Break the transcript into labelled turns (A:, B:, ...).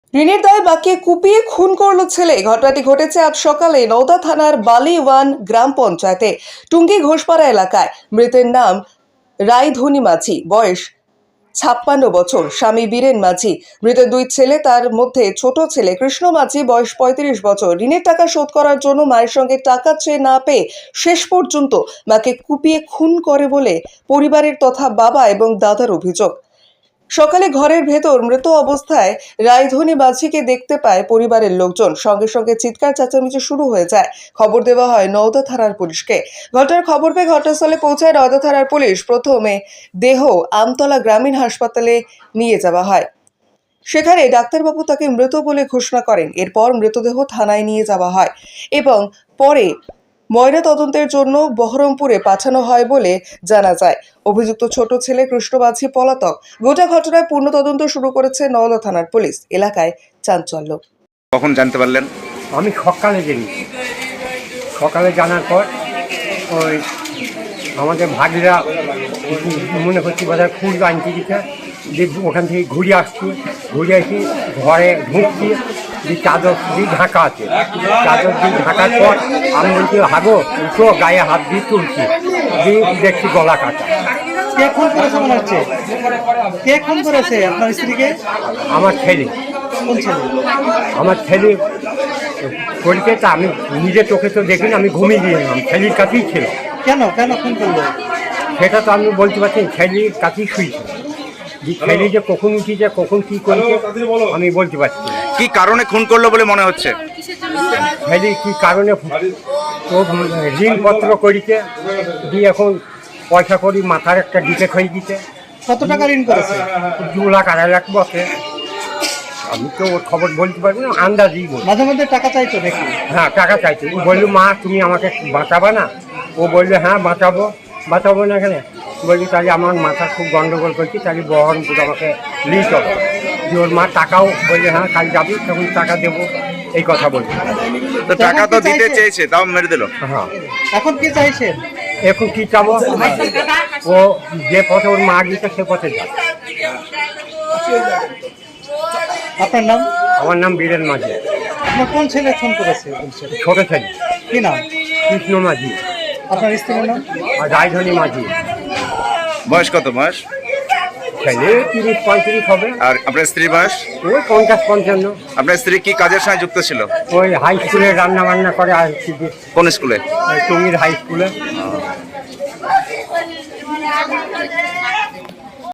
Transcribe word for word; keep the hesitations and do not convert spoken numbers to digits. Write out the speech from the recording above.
A: ঋণের দায়ে বাঁকে কুপিয়ে খুন করল ছেলে। ঘটনাটি ঘটেছে আজ সকালে নওদা থানার বালিওয়ান গ্রাম পঞ্চায়েতে টুঙ্গি ঘোষপাড়া এলাকায়। মৃতের নাম রায়ধনী মাঝি, বয়স ছাপ্পান্ন বছর, স্বামী বীরেন মাঝি। মৃতের দুই ছেলে, তার মধ্যে ছোট ছেলে কৃষ্ণ মাঝি বয়স পঁয়ত্রিশ বছর। ঋণের টাকা শোধ করার জন্য মায়ের সঙ্গে টাকা চেয়ে না পেয়ে শেষ পর্যন্ত মাকে কুপিয়ে খুন করে বলে পরিবারের তথা বাবা এবং দাদার অভিযোগ। সকালে ঘরের ভেতর মৃত অবস্থায় রায়ধনী মাঝিকে দেখতে পায় পরিবারের লোকজন। সঙ্গে সঙ্গে চিৎকার চেঁচামেচি শুরু হয়ে যায়। খবর দেওয়া হয় নওদা থানার পুলিশকে। ঘটনার খবর পেয়ে ঘটনাস্থলে পৌঁছায় নওদা থানার পুলিশ। প্রথমে দেহ আমতলা গ্রামীণ হাসপাতালে নিয়ে যাওয়া হয়। সেখানে ডাক্তারবাবু তাকে মৃত বলে ঘোষণা করেন। এরপর মৃতদেহ থানায় নিয়ে যাওয়া হয় এবং পরে ময়না তদন্তের জন্য বহরমপুরে পাঠানো হয় বলে জানা যায়। অভিযুক্ত ছোট ছেলে কৃষ্ণ মাঝি পলাতক। গোটা ঘটনায় পূর্ণ তদন্ত শুরু করেছে নওদা থানার পুলিশ। এলাকায় চাঞ্চল্য।
B: কখন জানতে পারলেন?
C: আমি সকালে জানি, সকালে জানার পর ওই আমাদের ভাগিরা মনে করছি বোধহয় ফুল আনতে দিতে, যে ওখান থেকে ঘুরে আসছি, ঘুরে এসে ঘরে ঢুকছি, যে চাদর দিয়ে ঢাকা আছে, চাদর দিয়ে ঢাকার পর আমি বলছি হাগো উঠো, গায়ে হাত দিয়ে তুলছি, দিয়ে দেখছি গলা কাটা।
D: কে খুন করেছে মনে হচ্ছে? কে খুন করেছে আপনার স্ত্রীকে?
C: আমার ছেলে।
D: কোন ছেলে?
C: আমার ছেলে করিতে, তা আমি নিজে চোখে তো দেখিনি, আমি ঘুমিয়ে গিয়েছিলাম, ছেলের কাছেই ছিল।
D: কেন কেন খুন করলো?
C: সেটা তো আমি বলতে পারছি, ছেলের কাছেই শুয়েছিল। যে ছেলে যে কখন উঠিছে, কখন কী করেছে আমি বলতে পারছি না।
B: কি কারণে খুন করলো বলে মনে হচ্ছে?
C: ছেলে কী কারণে ও ঋণপত্র করিতে, দিয়ে এখন পয়সা করি মাথার একটা ডিফেক্ট হয়ে গেছে।
D: কত টাকা ঋণ করেছে?
C: দু লাখ আড়াই লাখ বসে। আমি তো ওর খবর বলতে পারবো না, আন্দাজই বলি।
D: মাঝে মধ্যে টাকা চাইতো নাকি?
C: হ্যাঁ, টাকা চাইছে। ও বললো মা তুমি আমাকে বাঁচাবা না? ও বললো হ্যাঁ বাঁচাবো। বাঁচাবো না এখানে বললি তাহলে আমার মাথা খুব গন্ডগোল করছি, তাহলে বহরমপুর আমাকে লিখ হবে। যে ওর মা টাকাও বললে হ্যাঁ কাল যাবি, তখন টাকা দেবো, এই কথা বলছি।
B: তো টাকা তো দিতে চেয়েছে, তাও মেরে দিল।
C: হ্যাঁ,
D: এখন কি চাইছেন?
C: এখন কি চাবো? ও যে পথে ওর মা গিয়েছে সে পথে যাবে।
D: আপনার নাম?
C: আমার নাম বীরেন মাঝি।
D: আপনার কোন ছেলে খুন করেছে? কোন ছেলে?
C: ছোট ছেলে
D: কি নাম?
C: কৃষ্ণ মাঝি।
D: আপনার স্ত্রীর নাম?
C: আর রায়ধনী মাঝি।
B: বয়স কত? বয়স
C: ছেলে তিরিশ পঁয়ত্রিশ হবে।
B: আর আপনার স্ত্রী বয়স?
C: ওই পঞ্চাশ পঞ্চান্ন।
B: আপনার স্ত্রী কি কাজের সঙ্গে যুক্ত ছিল?
C: ওই হাই স্কুলে রান্না বান্না করে আসছি,
B: কোন স্কুলে?
C: টুঙ্গির হাই স্কুলে।